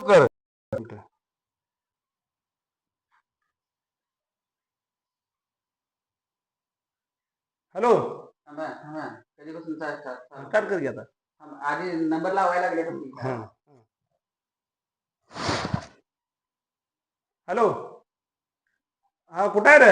कर. हॅलो कधीपासून काय कर घ्या आधी नंबर लावायला लागले हॅलो हा कुठं आहे रे?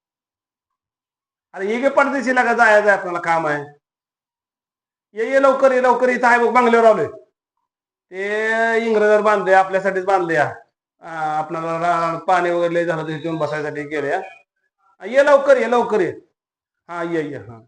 अरे ये गे पडदेशीला का जायचं आपल्याला काम आहे. ये लवकर ये लवकर इथं आहे बघ बंगल्यावर आलोय. ते इंग्रजांनी बांधले आपल्यासाठीच बांधले आपल्याला पाणी वगैरे झालं तर इथून बसायसाठी गेले. ये लवकर ये लवकर ये. हा ये हा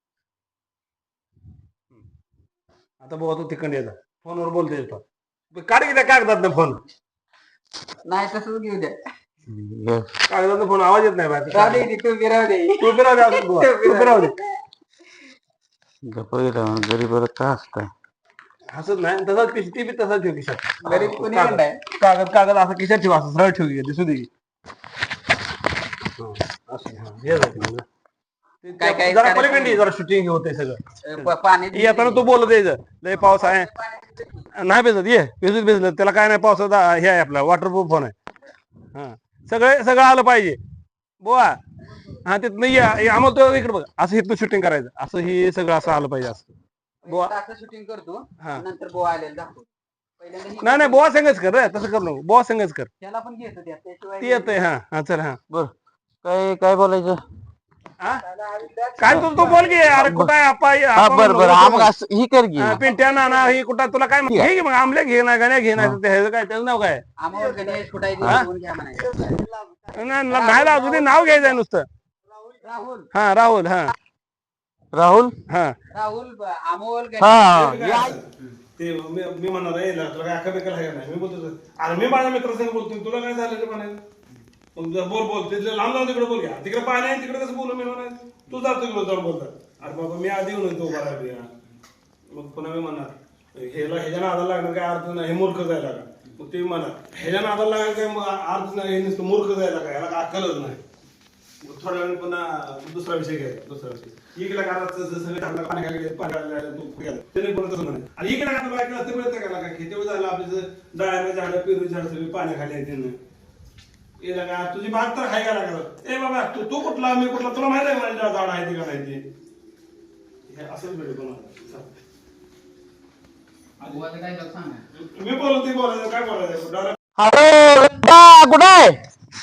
आता भाऊ तू तिकडे ये जा फोनवर बोलते येतो. काढ की त्या कागदात ना फोन. नाही तसंच घेऊ द्या. कागदात फोन आवाज येत नाही बाहेर. राहू दे तू बिराव दे तू फिराव दे. गप्प गरीब का असताय हसत नाही तसाच ती बी तसाच ठेव खिशात. गरीब कोणी कागद कागद असं खिशात ठेवा असं सरळ ठेव दिसू दे. जरा पलीकडे जरा शूटिंग होते सगळं पाणी येताना तू बोलत यायचं लय पाऊस आहे नाही भिजत ये भिजत त्याला काय नाही पावसाचा हे आहे आपला वॉटरप्रूफ फोन आहे. हा सगळं आलं पाहिजे बोवा. हा तिथनं ये आम्हाला तो इकडे बघ असं इथनं शूटिंग करायचं असं हे सगळं असं आलं पाहिजे असं बोवा. शूटिंग करतो नंतर बोवा आलेला दाखवतो. नाही बोवा संगच कर रे तसं कर नको बोवा संगच कर. त्याला पण घेतो त्याशिवाय ती येतंय हा चल हा बर काय काय बोलायचं काय तू बोल की अरे कुठं आहे बर बर ही कर की पिंट्या नाना ही कुठं तुला काय घे की मग आमल्या घे ना गाण्या घे नाही काय त्याचं नाव काय नाही अजून नाव घ्यायचंय नुसतं. राहुल हा राहुल हा राहुल हा राहुल अमोल हा ते मी म्हणणार आहे तुला काय अक्का बेकार आहे नाही मी बोलतो अरे मी माझ्या मित्रासंग बोलतो तुला काय झालं म्हणायचं मग बोल तिथलं लांब जाऊन तिकडे बोल घ्या तिकडे पाणी आहे तिकडे कसं बोलू मी म्हणायचं तू जातो तिकडे जाऊन बोलतात अरे बाबा मी आधी येऊन येतो उभा राहिलो मग पुन्हा मी म्हणणार ह्याच्या नादाला लागणार काय अर्थ नाही हे मूर्ख जायला का मग ते म्हणा ह्याच्या नादाला लागणार काय अर्थ नाही हे नुसतं मूर्ख जायला का ह्याला काय अक्कलच नाही थोड्या वेळ पुन्हा दुसरा विषय घ्यायचा दुसरा विषय इकडे सगळे पाणी खाली तू त्याने बोलत म्हणे आणि इकडे काय ते मिळतं का काय तेवढं झालं आपलं डाळ्याने झाडं पेरू झाड सगळी पाण्याखाली आहे त्यानं येला का तुझी बाग तर खाय का लागत ए बाबा तू कुठला मी कुठला तुला माहिती आहे माझ्या झाड आहे ते का नाही ते असंच भेटू तुम्हाला मी बोलतो ते बोलायचं काय बोलायचं हॅलो कुठं आहे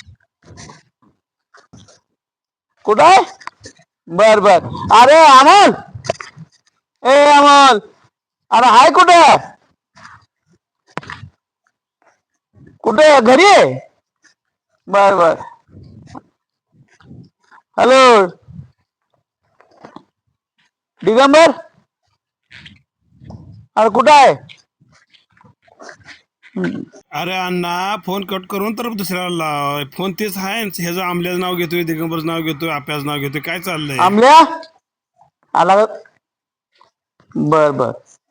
कुठं आहे बर बर अरे अमोल ए अमोल अरे हाय कुठे कुठे घरी आहे बर बर हॅलो दिगंबर अरे कुठं आहे अरे अण्णा फोन कट करून तर दुसऱ्याला लाव फोन तेच आहे ह्याचं आमल्याचं नाव घेतोय दिगंबरचं नाव घेतोय आप्याचं नाव घेतोय काय चाललंय आमल्या आला बर बर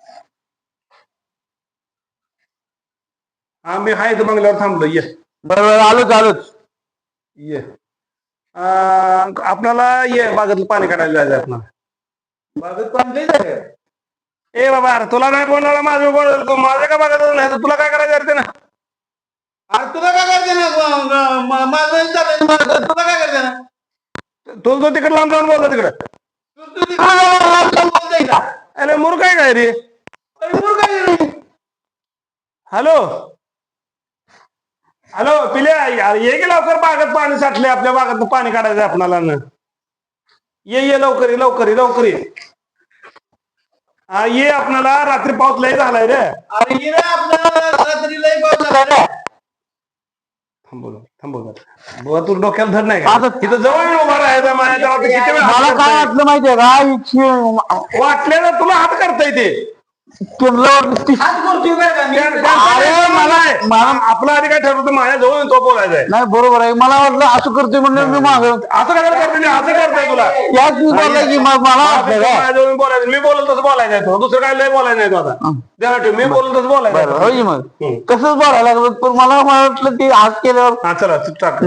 हा मी हाय इथं बंगल्यावर थांबलो ये बरोबर आलोच ये आपल्याला ये बागेतलं पाणी काढायला जायचं आपल्याला बागेत पाणी जायचं ए बाबा अरे तुला नाही बोलणार माझं बोल माझं का बघायचं नाही तर तुला काय करायचं ना अरे तुला काय करते ना माझं तुला काय करते ना तो तिकडे लांब जाऊन बोलतो तिकडे अरे मूर्ख आहे काय रे हॅलो हॅलो पिल्या ये की लवकर बागेत पाणी साठले आपल्या बागेत पाणी काढायचं आपल्याला ये लवकर ये ये आपल्याला रात्री पाऊस लय झालाय रे अरे ये आपल्याला रात्री लई पाऊस झाला रे थांबव तू डोक्याला धर नाही का तिथं जवळ उभा राहायचा माझ्या किती वेळ मला काय वाटलं माहितीये का वाटलेलं तुला हात करता येते आपला आधी काय ठरवतं माझ्या जवळ तो बोलायचा आहे नाही बरोबर आहे मला वाटलं असं करतोय म्हणलं मी माग असं काय करते असं करताय तुला याच मी बोललं की मला वाटलं माझ्या जवळ बोलायचं मी बोलत तसं बोलायचं आहे तो दुसरं काय लय बोलायचं नाही तो आता द्या ठेव मी बोलत तसं बोलायचं होय मग तसंच बोलायला लागलं पण मला वाटलं की आज केल्यावर हा चला टाक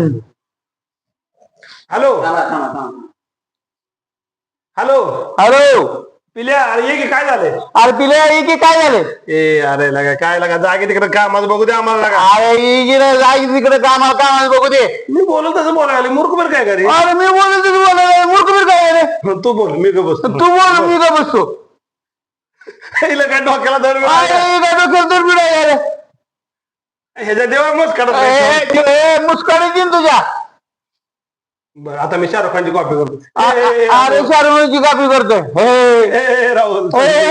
हॅलो हॅलो हॅलो पिल्या अरे ये की काय झाले अरे पिल्या ये की काय झालं ए अरे लगा काय लगा जागे तिकडे कामाचं बघू दे आम्हाला लगा अरे ये की रे, जागी तिकडे कामाला कामाला बघू दे मी बोलत तसं बोलायला मूर्ख बरं काय घरी अरे मी बोलतो तू बोलायला मूर्ख बीर काय रे तू बोल मी का बसतो तू बोल मी का बसतो हिला काय डोक्याला धर अरे काय डोक्याला तर बिडा रे ह्याच्या देवा मस्त काढत मुस्काडी तुझ्या बरं आता मी शाहरुख खानची कॉपी करतो अरे शाहरुखची कापी करतोय राहुल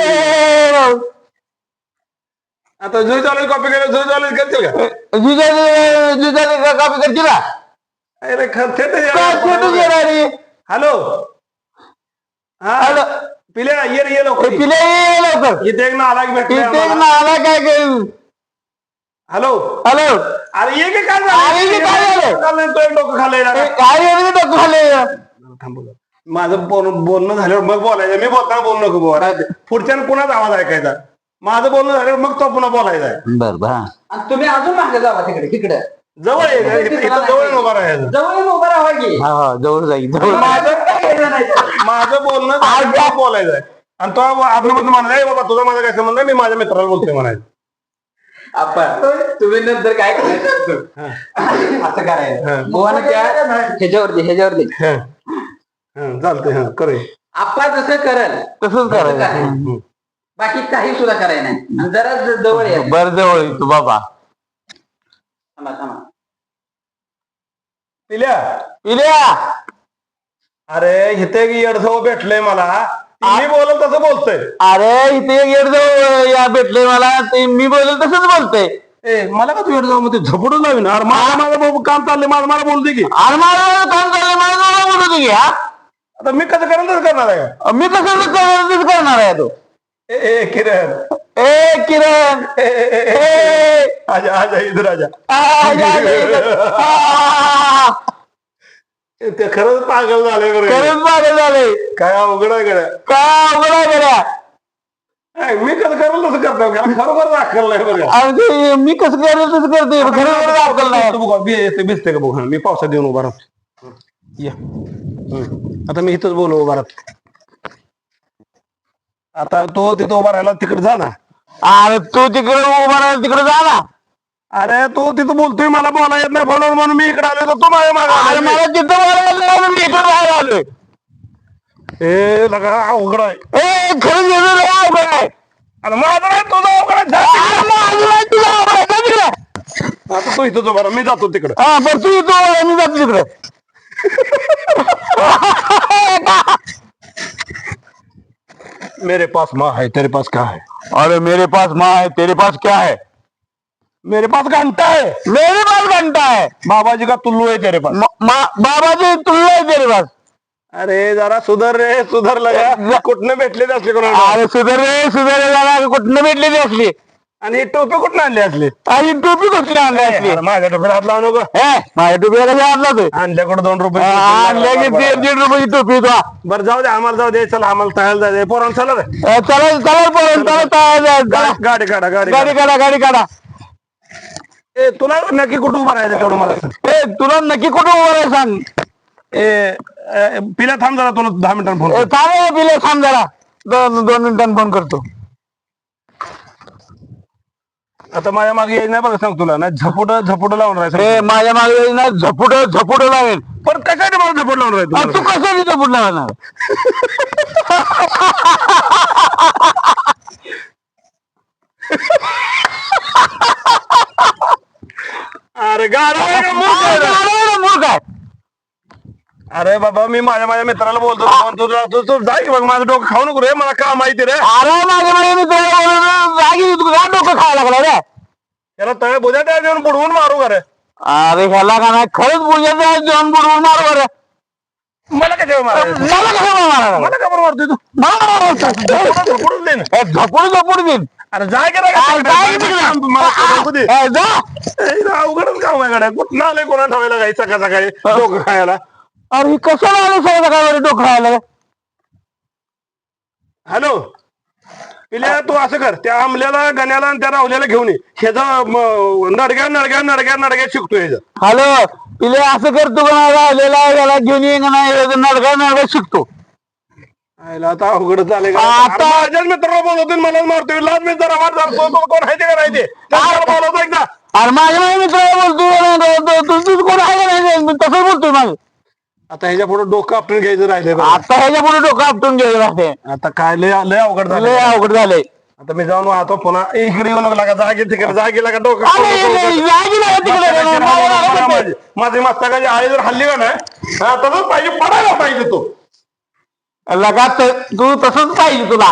आता जुई चालू कॉपी केलं जुई चालू करतील का जिजाची कापी करते ना अरे छोटू थेट गेला रे हॅलो हा हॅलो. पिल्या ये लवकर पिल्या ये लवकर इथे एक ना आला की इथे भेटले आला काय हॅलो हॅलो अरे ये की काय अरे ये की काय झालं? झालं तो एक डोकं खाल्लंय ना काय डोकं खाले थांबवलं माझं बोलणं झाल्यावर मग बोलायचं मी बोलताना बोलू नको बोला पुढच्यानं पुन्हाच आवाज ऐकायचा माझं बोलणं झाल्यावर मग तो पुन्हा बोलायचा आहे बर बर आणि तुम्ही अजून मागे जावा तिकडे जवळ आहे का? इथं जवळ उभा राहायचं जवळ येऊन उभा राहा की हा जवळ जाईल जवळ माझं बोलणं झाल्यावर तो बोलायचं आहे आणि तो आपलं म्हणायचं बाबा तुझा माझा काय संबंध आहे? मी माझ्या मित्राला बोलतोय म्हणायचं आपण तुम्ही नंतर काय करायचं असं करायचं बुवानं त्या ह्याच्यावरती चालतंय करूया आपण जसं करल तसंच करायचं बाकी काही सुद्धा करायचं नाही आणि जरा जवळ या बर जवळ येईल तू बाबा थांबा पिल्या पिल्या अरे इथे एक येडसव भेटलंय मला मी बोलल तसं बोलतोय अरे इथे एक येडजवळ या भेटले मला ते मी बोलेल तसंच बोलतोय ए मला का तू येडसव मध्ये झपडून लावी ना अरे माझं काम चाललंय मला बोलू दे की अरे मला काम चाललंय मला जवळ बोलू दे की हा आता मी कसं करेन तसं करणार आहे का मी कसं करणार आहे तो ए किरण ए किरण आजा आजा इधर आजा ते खरंच पागल झाले खरंच मागे झाले काय अवघड आहे गड्या काय अवघड आहे गड्या मी कसं करेल तसं करतो का खरोखर दाखल नाही बरं अरे ते मी कसं करेल तसं करते खरं दाखल नाही भिजते का बघ मी पावसात येऊन उभा राहतो या आता मी इथंच बोलू उभा राहतो आता तो तिथं उभा राहिला तिकडे जा ना अरे तू तिकडे उभा राहा तिकडे जा ना अरे तो तिथं बोलतोय मला बोला येत नाही बोलवून म्हणून मी इकडे आलो तर तू माझ्या अरे मागे मला तिथं बोलायला मी इकडे राहायला आलोय ए लगा अवघड आहे ए खरंच येतो रे अवघड आहे अरे माझं नाही तुझं अवघड आहे. जा तिकडे. अरे माझं नाही, तुझं अवघड आहे, जा तिकडे. आता तू इथंच उभा राहा मी जातो तिकडे हा बरं तू येतो मी जातो तिकडे मेरे पास माँ है तेरे पास क्या है अरे मेरे पास माँ है तेरे पास क्या है मेरे पास घंटा है मेरे पास घंटा है बाबा जी का तुल्लू है तेरे पास बाबा जी तुल्लू है तेरे पास अरे जरा सुधर रे सुधर लगा कुठनं भेटले असले कोणाला अरे सुधार कुठनं भेटली ती असली आणि ही टोपी कुठनं आणली असली आणि टोपी कुठली आणली असली अरे माझ्या टोपीला हात लावू नको हे माझ्या टोपीला कशी आणला तू आणल्याकडे 2 रुपये आणल्या की 1.5 रुपयाची टोपी तो बरं जाऊ दे आम्हाला जाऊ दे चला आम्हाला तयार जायचं पोरांना चला रे चला चला चला गाडी काढा गाडी गाडी काढा ए तुला नक्की कुठं उभं राहायचं तेवढं मला सांग. ए तुला नक्की कुठं उभं आहे सांग पिल्या थांब जरा तुला 10 मिनिटांनी फोन थांब पिले थांब जरा 2 मिनिटांनी फोन करतो आता माझ्या मागे यायचं नाही बघा सांग तुला ना झपुट लावून राहायचं माझ्या मागे ना झपुट लावेल पण कशासाठी मला झपुट लावून राहायचं तू कसं झपुट लावणार अरे गाडा मूर्ख आहे अरे बाबा मी माझ्या मित्राला बोलतो तू जा की बघ माझं डोकं खाऊ नको रे मला काम माहिती रे अरे माझ्या मागे मी जागी डोकं खायला लागला रे त्याला तळे बुद्या त्या देऊन बुडवून मारू का रे अरे ह्याला का नाही खरंच बुजायचं जेवण बुडवून मारू बरं मला कशा मारायचं मला कसं मारा मला का बरं मारतोय तू झपुटच दे ना झपुड देईन अरे जाय की रे अवघडच काम आहे गाड्या कुठं आलंय कोणा ठेवायला काही सकाळी डोकं खायला अरे कसं आलं सगळं काय डोकं खायला हॅलो पिल्या तू असं कर त्या आमल्याला गण्याला आणि त्या रावल्याला घेऊन ये ह्याचा नडग्या शिकतोय ह्याचा हॅलो पिले असं करतो का राहिलेला याला घेऊन ये का नाही नडगा शिकतो आयला आता अवघड झाले आता- माझ्याच मित्राला बोलवतो मला मारतोय लाज मी जरा वाट जातो तो कोण आहे ते का नाही ते त्याला बोलवतो एकदा अरे माझ्या मित्राला बोलतोय तुझं कोण आहे का नाही मी तसंच बोलतोय माझं. आता ह्याच्या पुढे डोकं आपलं घ्यायचं राहिले आता ह्याच्या पुढे डोकं आपटून घ्यायला लागते. आता काय लय लय अवघड झालं लय अवघड झालंय. आता मी जाऊन वाहतो पुन्हा इकडे येऊ नका जागे तिकडे जागे लागा डोकं जागी नाही तिकडे. माझी मस्तकाची आई जर हल्ली का नाही हा, तसंच पाहिजे पडायला पाहिजे तो लगात तू तसंच पाहिजे तुला.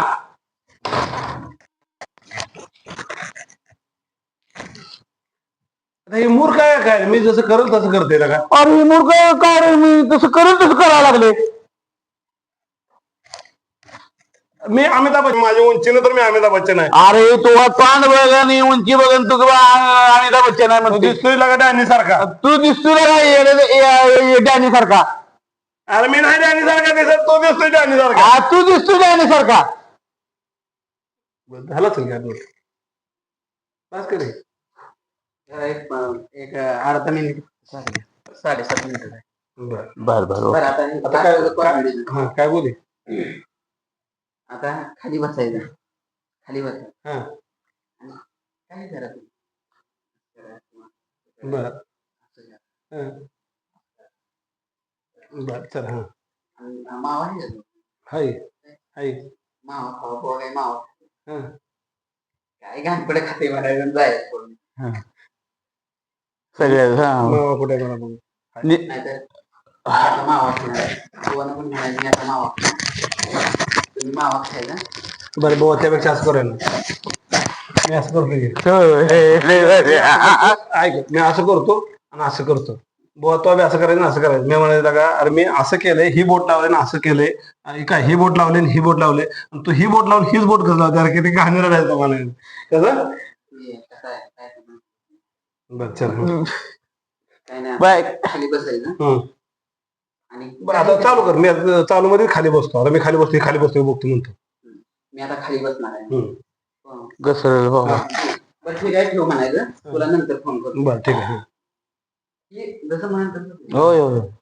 आता हे मूर्ख आहे काय मी जसं करेल तसं करते ना का अरे मूर्ख काय रे मी तसं करेल तसं करायला लागले. मी अमिताभ बच्चन माझ्या उंचीनं तर मी अमिताभ बच्चन आहे अरे तो पान बघ आणि उंची बघ तू अमिताभ बच्चन आहे तो म्हणते. दिसतोय लागा डॅनी सारखा तू दिसतोय काय डॅनी सारखा. अरे मी नाही डॅनी सारखा दिसत तो दिसतोय डॅनी सारखा तू दिसतोय डॅनी सारखा. झालं असेल काय बस करे एक अर्धा मिनिट 7.5 मिनिट आहे. बर बर बर बरं आता आता काय हा काय बोले आता खाली बसायचं खाली बसायचं हा काय करा बर बर चल हा मावा आहे का? हाय हाय मावा खावा पोहा काय मावा हा काय घाणपडे खाते म्हणायचं जायचं सगळे मावा कुठे मला बघू नाहीतर आता मावा खाणार पोहानं पण म्हणायचं मी आता मावा खाणार. तुम्ही मावा खायचा बरं भाऊ त्यापेक्षा असं करेन मी असं करतो की. ऐक मी असं करतो आणि असं करतो बुवा तो बी असं करायचं आणि असं करायचं मी म्हणायचं का अरे मी असं केलंय ही बोट लावले ना असं केलंय आणि काय ही बोट लावले आणि ही बोट लावले आणि तू ही बोट लावून हीच बोट कसं लावते अरे किती कहाणी राहायचं म्हणायचं कसं कसं आहे काय करणार? बरं चल काय नाही बाय. आता खाली बसायचं हं. आणि बरं आता चालू कर मी आता चालू मध्ये खाली बसतो आता मी खाली बसतो खाली बसतो बघतो म्हणतो मी आता खाली बसणार आहे हं. हो. घसरल हो. बरं ठीक आहे ठेव म्हणायचं तुला नंतर फोन करतो बरं ठीक आहे जसं म्हणाल तसं होय होय